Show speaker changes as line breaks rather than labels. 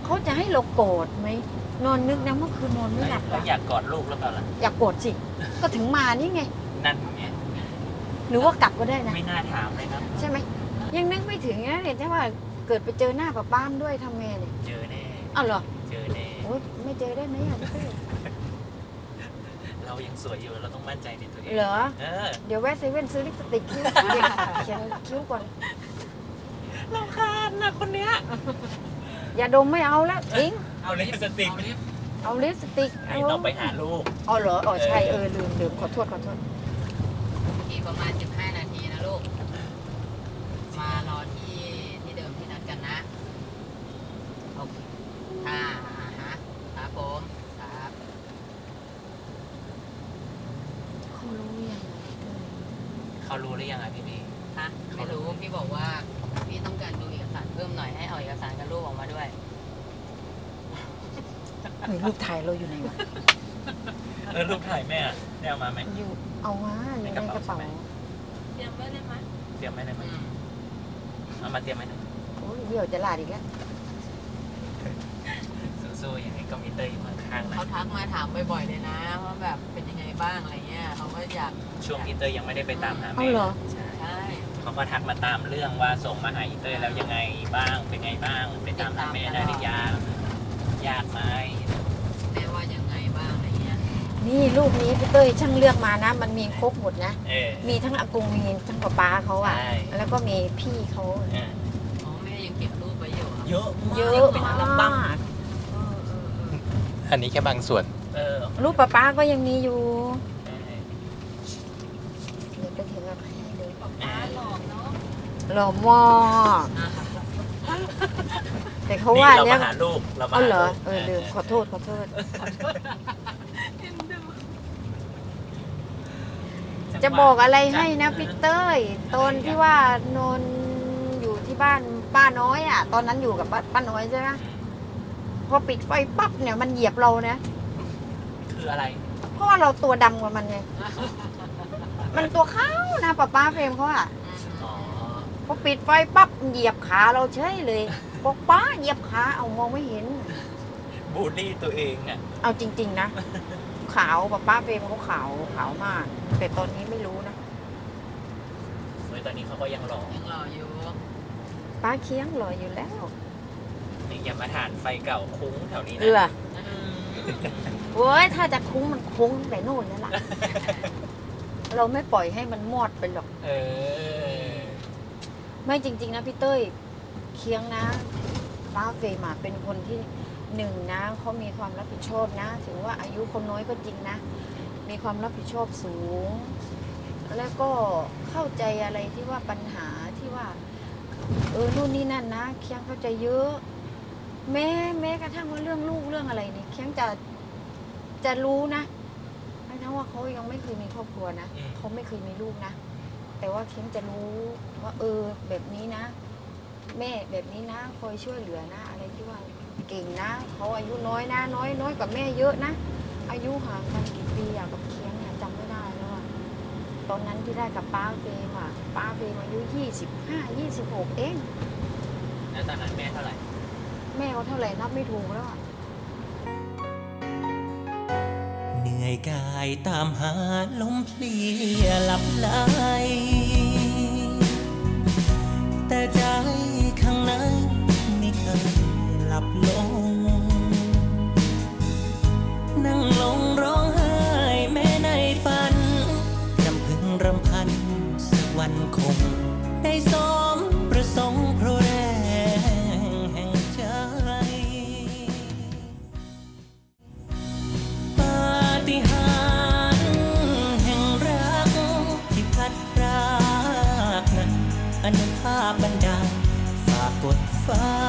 เขาจะให้เราโกรธไหมนอนนึกนะเมื่อคืนนอนไม่หลับ
แล้วอยากกอดลูกหรือเปล่าล่ะ
อยากโกรธสิก็ถึงมานี่ไง
นั่นไง
หรือว่ากลับก็ได้นะ
ไม่น่าถามเลยครับ
ใช่ไหมยังนึกไม่ถึงนะเนี่ยถ้าว่าเกิดไปเจอหน้าป้าป้ามด้วยทำไงเนี่ย
เจอแน่
อ้าวเหรอ
เจอแน่
โอ๊ยไม่เจอได้ไหมอ่ะพี่เต้
เรายังสวยอยู่เราต้องมั่นใจในตัวเอง
เหรอ
เออ
เดี๋ยวแวะเซเว่นซื้อลิปสติกคิ้วเขียนคิ้วก่อน
เราคาญนะคนเนี้ย
อย่าดมไม่เอาแล้วทิ้ง
เอาลิปสติก
เอาลิปสติก
ให้ต้องไปหาลูก
อ๋อเหรออ๋อใช่ลืมขอโทษ
อีกประมาณ 15 นาทีนะลูก มารอที่เดิมที่นัดกันนะ โอเคค่ะฮะครับผมครับ
เขารู้ยัง
เขารู้หรือยังอ่ะพี่
ฮะไม่รู้ พี่บอกว่า พี่ต้องการดูเอกสารเพิ่มหน่อยให้เอาเอกสารกับลูกออกมาด้วย
เฮ้ยรูปถ่ายเราอยู่ไหนวะ
รูปถ่ายแม่ได้เอามาไหม
อยู่เอามาอยู่ในกระเป๋า
เตรียมไว้เลยไหม
เตรียมไว้ได้ไหมเอามาเตรียมไว้นะ
โอ้ยเดี๋ยวจะลาดอีกแล้ว
สู้ๆอย่างนี้ก็มีเตยอยู่ข้างๆนะ
เขาทักมาถามบ่อยๆเลยนะว่าแบบเป็นยังไงบ้างอะไรเงี้ยเขาก็อยาก
ช่วงอีเตยยังไม่ได้ไปตามหา
เอา
แม่
เหรอ
ใช่
ใช่
เขาก็ทักมาตามเรื่องว่าส่งมาหาอีเตยแล้วยังไงบ้างเป็นไงบ้างไปตามหาแม่ได้หรือยังยากไหม
แม่ว่ายังไงบ้างอะไรเงี้ย
นี่รูปนี้พี่เต้ยช่างเลือกมานะ มันมีครบหมดนะ
เออ
มีทั้งอากงมีทั้งป้าเขาอ่ะ
ใช่
แล้วก็มีพี่เขา
เออ
อ๋อแม่ยังเก็บรูปไว้อยู่ครับ
เยอะ
เยอะ
เป็น
มา
อัลบั้ม
ก
อันนี้แค่บางส่วนเออ
รูปป้าก็ยังมีอยู่เดี๋ยวไปถึงกับให้เลย
ป้าหลอกเนาะ
หล่อมากแต่เขาว่า
เรา
เนี่ย
มาหาลูกเรามา
เอา
หา
เหรอ
ลูก
ลืมขอโทษจะบอกอะไรให้นะพี่เต้ยตอนที่ว่านนอยู่ที่บ้านป้าน้อยอ่ะ ตอนนั้นอยู่กับป้าน้อยใช่ไหมพอปิดไฟปั๊บเนี่ยมันเหยียบเรานะ
คืออะไร
เพราะว่าเราตัวดำกว่ามันไง มันตัวขาวนะป้าเฟรมเขาอ่ะ
อ๋อ
พอปิดไฟปั๊บเหยียบขาเราเฉยเลยบอกป้าเหยียบขาเอามองไม่เห็น
บูลลี่ตัวเองอ่ะ
เอาจริง ๆ นะ ขาวป้าเฟรมเขาขาวมาก แต่ตอนนี้ไม่รู้นะ
เฮ้ยตอนนี้เขาก็ยังหล่อ
ยังรออยู่
ป้าเคียงหล่ออยู่แล้ว
นี่อย่ามาทานไฟเก่าคุ้งแถวนี้นะ
เออโอ้ยถ้าจะคุ้งมันคุ้งแต่โน่นแล้วล่ะ เราไม่ปล่อยให้มันมอดไปหรอก
เออ
ไม่จริง ๆ นะพี่เต้ยเคียงนะป้าเฟรมอะเป็นคนที่หนึ่งนะเขามีความรับผิดชอบนะ ถึงว่าอายุคนน้อยก็จริงนะ มีความรับผิดชอบสูง แล้วก็เข้าใจอะไรที่ว่าปัญหาที่ว่านู่นนี่นั่นนะเคียงเข้าใจเยอะ แม้กระทั่งว่าเรื่องลูกเรื่องอะไรเนี่ยเคียงจะรู้นะทั้งว่าเขายังไม่เคยมีครอบครัวนะเขาไม่เคยมีลูกนะ แต่ว่าเคียงจะรู้ว่าแบบนี้นะ แม่แบบนี้นะคอยช่วยเหลือนะ อะไรที่ว่าเก่งนะเขาอายุน้อยนะน้อยกว่าแม่เยอะนะอายุห่างกันกี่ปีอะกับเคียงเนี่ยจำไม่ได้แล้วอะตอนนั้นที่ได้กับป้าเฟรมอะป้าเฟรมอายุ25-26เอง
แล้วตอนนั้นแม่เท่าไหร่
แม่เขาเท่าไหร่นับไม่ถูกแล้วอะ
เหนื่อยกายตามหาลมเพลียหลับไหลแต่ใจข้างในไม่เคยหลับลงนั่งลงร้องไห้แม้ในฝันรำพึงรำพันสักวันคงได้สมประสงค์เพราะแรงแห่งใจ ปาฏิหาริย์แห่งรักที่พัดพรากนั้นอนุภาพบันดาลฝากกดฟ้า